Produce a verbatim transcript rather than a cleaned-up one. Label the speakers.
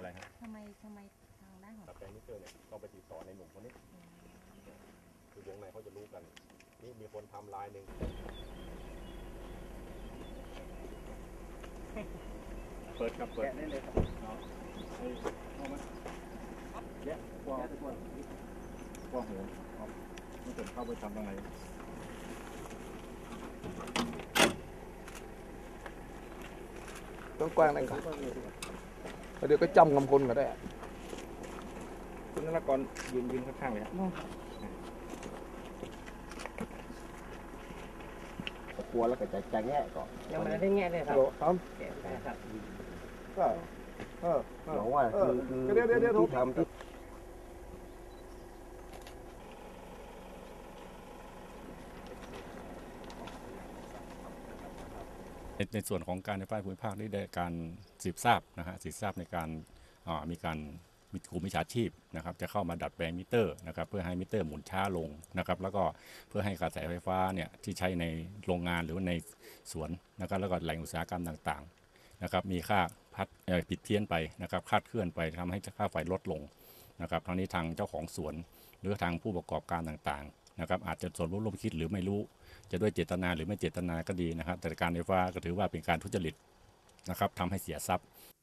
Speaker 1: อะไรฮะ
Speaker 2: ทำไมทำไมทางด้านของ
Speaker 1: ตัดแปลงมิเตอร์เนี่ยต้องไปติดต่อในหนุ่มคนนี้คือวงในเขาจะรู้กันนี่มีคนทำลายหนึ่งเปิดกับเปิดได้เลยครับเอาเอามาแยะกว้างกว้างกว้างหัวเอาไม่เกิดเข้าไปทำอะไร
Speaker 3: ต้องกว้างนั่นก่อนเดี๋ยวก็จำกำคนก็ได้
Speaker 1: คุณนรกรยืนยืนข้างๆเลยครับกลัวแล้วก็จะจะแง่ก่อน
Speaker 4: ยังไม่ได้แง่เลยครับ
Speaker 3: ครับก็เออหลงว่าคือคือที่ทำที่
Speaker 5: ในส่วนของการไฟฟ้าภูมิภาคได้ได้การสืบทราบนะฮะสืบทราบในการมีการมีกลุ่มมิจฉาชีพนะครับจะเข้ามาดัดแปลงมิเตอร์นะครับเพื่อให้มิเตอร์หมุนช้าลงนะครับแล้วก็เพื่อให้กระแสไฟฟ้าเนี่ยที่ใช้ในโรงงานหรือว่าในสวนนะครับแล้วก็แหล่งอุตสาหกรรมต่างๆนะครับมีค่าพัดผิดเพี้ยนไปนะครับคาดเคลื่อนไปทำให้ค่าไฟลดลงนะครับทั้งนี้ทางเจ้าของสวนหรือทางผู้ประกอบการต่างๆนะครับอาจจะส่วนรู้ร่วมคิดหรือไม่รู้จะด้วยเจตนาหรือไม่เจตนาก็ดีนะครับแต่การไฟฟ้าก็ถือว่าเป็นการทุจริตนะครับทำให้เสียทรัพย์